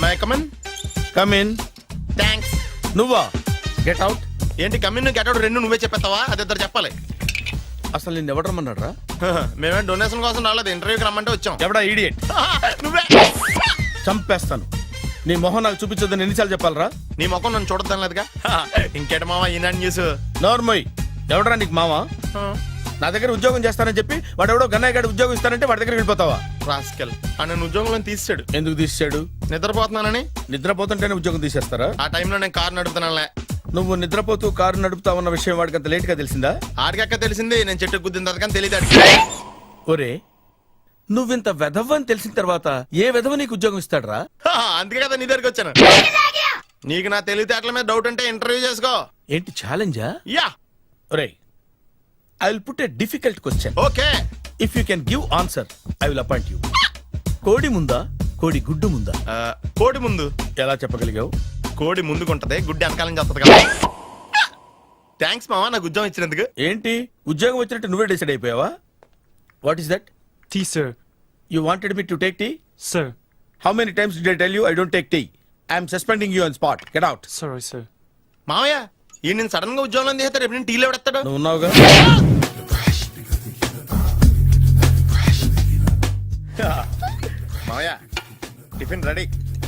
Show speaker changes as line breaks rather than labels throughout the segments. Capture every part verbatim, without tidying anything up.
My come in
come in.
Thanks.
నువ్వా? Get out.
ఏంటి come in get out రెండు నువ్వే చెప్పేస్తావా? అది ఇద్దరు చెప్పాలి.
అసలు నిన్ను ఎవడు రమ్మన్నాడు రా?
మేమే డొనేషన్ కోసం రాలేదు, ఇంటర్వ్యూకి రమ్మంటే వచ్చాం.
ఎవడా ఈడియట్?
నువ్వే.
చంపేస్తాను. నీ మొహం నాకు చూపించొద్దని ఎన్నిసార్లు చెప్పాలరా?
నీ ముఖం నన్ను చూడద్దాం లేదుగా. ఇంకేట మావా ఈనాడు న్యూస్.
నోర్మోయ్. ఎవడరా నీకు మావా? నా దగ్గర ఉద్యోగం చేస్తానని చెప్పి వాడు ఎవడో గన్నయ్య గారి ఉద్యోగం ఇస్తానంటే వాడి దగ్గర వెళ్ళిపోతావా?
రాస్కెల్. ఆ నన్ను ఉద్యోగంలో తీసాడు.
ఎందుకు తీసాడు?
నిద్రపోతున్నానని.
నిద్రపోతుంటేనే ఉద్యోగం తీసేస్తారా?
ఆ టైంలో నేను కారు నడుపుతున్నానులే.
నువ్వు నిద్రపోతూ కారు నడుపుతా ఉన్న విషయం వాడికి అంత లేట్ గా తెలిసిందా?
ఆడికక్క తెలిసింది, నేను చెట్టు గుద్దిన కానీ తెలియదు.
ఒరే, నువ్వింత వెధవ్ అని తెలిసిన తర్వాత ఏ వెధవ నీకు ఉద్యోగం ఇస్తాడరా?
అందుకే కదా నీ దగ్గరికి వచ్చాను. నీకు నా తెలివితేటల మీద డౌట్ అంటే ఇంటర్వ్యూ చేసుకో.
ఏంటి ఛాలెంజా?
యా.
ఒరే, I will put a difficult question.
Okay.
If you can give answer I will appoint you. కోడి ముందా, కోడి గుడ్డు ముందా?
కోడి ముందు.
ఎలా చెప్పగలిగావు?
కోడి ముందుకుంటది, గుడ్డి వెనకాలం చేస్తుంది కదా. థ్యాంక్స్ మావా నాకు ఉద్యోగం ఇచ్చినందుకు.
ఏంటి ఉద్యోగం వచ్చినట్టు నువ్వే డిసైడ్ అయిపోయావా? What is that?
Tea, sir.
You wanted me to take tea?
Sir.
How many times did I tell you I don't take tea? I am suspending you on spot. Get out.
Sorry, sir.
మావయ్య ఈ నేను sudden గా ఉద్యోగంలో తీస్తాడు, రేపు నేను టీలో పెడతాడు.
నువ్వు ఉన్నావుగా.
మావయ్య టిఫిన్ రెడీ.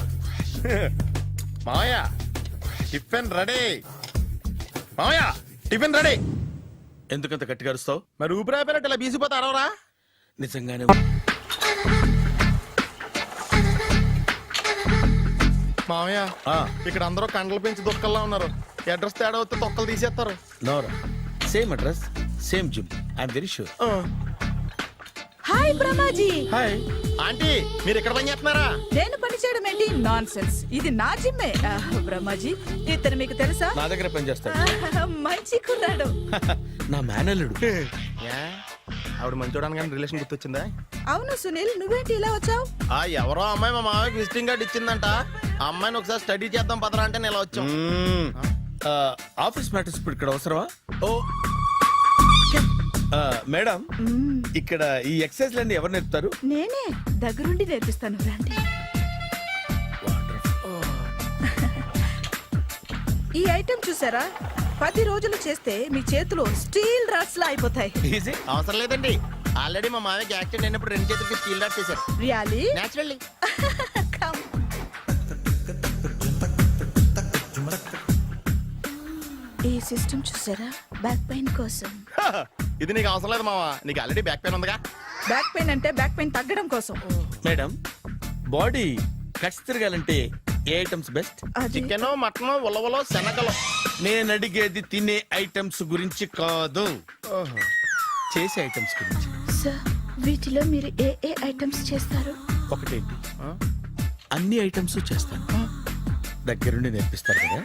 మావయ్య టిఫిన్ రెడీ. మావయ్య టిఫిన్ రెడీ.
ఎందుకంత గట్టిగా అరుస్తావు?
మరి ఊపిరాయిపోయినట్టు ఇలా బీసిపోతే అరవరా?
నిజంగానే.
మావయ్య ఇక్కడ అందరూ కండలు పెంచి దుక్కల్లా ఉన్నారు. అడ్రస్ తేడా వస్తే తొక్కలు తీసేస్తారు.
నోరా, same address same gym. I'm very sure.
Hi Brahmaji.
Hi
aunty, మీరు ఇక్కడ పని చేస్తున్నారా?
నేను పని చేయడం ఏంటి? Nonsense. ఇది నా జిమ్మే. బ్రహ్మాజీ ఇతను మీకు తెలుసా?
నా దగ్గర పని చేస్తాడు.
మంచి కుర్రాడు.
నా మేనల్లుడు.
ఆవిడ మంచి చూడడానికి రిలేషన్ గుర్తొచ్చిందా?
అవును సునీల్, నువ్వేంటి ఇలా వచ్చావు?
ఆ ఎవరో అమ్మాయి మా మామయ్యకి విజిటింగ్ కార్డ్ ఇచ్చిందంట. ఆ అమ్మాయిని ఒకసారి స్టడీ చేద్దాం పదరా అంటే నేను ఇలా వచ్చాం.
ఆఫీస్ మ్యాటర్స్ ఇప్పుడు ఇక్కడ అవసరమా? ఓ మేడం, ఇక్కడ ఈ ఎక్సర్సైజ్ లన్నీ ఎవరు నేర్పుతారు?
నేనే దగ్గరుండి నేర్పిస్తాను. రండి. ఈ ఐటెం చూసారా? పది రోజులు చేస్తే మీ చేతులు స్టీల్ రాట్స్ లా అయిపోతాయి.
అవసరం లేదండి, ఆల్రెడీ మా మామయ్యకి యాక్సిడెంట్ అయినప్పుడు రెండు చేతులకి స్టీల్ రాట్ చేశారు.
రియల్లీ?
నేచురల్లీ.
ఈ సిస్టమ్ చూసారా? బ్యాక్ పెయిన్ కోసం.
ఇది నీకు అవసరం లేదు మావా, నీకు ఆల్రెడీ బ్యాక్ పెయిన్ ఉందిగా.
బ్యాక్ పెయిన్ అంటే బ్యాక్ పెయిన్ తగ్గడం కోసం.
మేడం, బాడీ కట్స్ తిరగాలంటే ఏ ఐటమ్స్ బెస్ట్?
చికెన్, మటన్, ఉలవలో, శనగలు.
నేను అడిగేది తినే ఐటమ్స్ గురించి కాదు, చేసే ఐటమ్స్ గురించి.
సార్, వీటిలో మీరు ఏ ఏ ఐటమ్స్ చేస్తారు?
ఒకటేంటి, అన్ని ఐటమ్స్ చేస్తాను. దగ్గరుండి నేర్పిస్తారు కదా.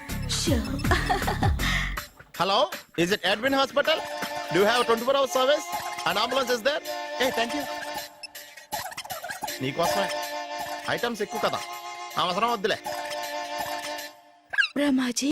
Hello, is it admin hospital? Do have twenty four hours service and ambulance is there? Ah thank you. నీకోసమే ఐటమ్స్ ఎక్కువ కదా, అవసరం వద్దులే.
బ్రహ్మాజీ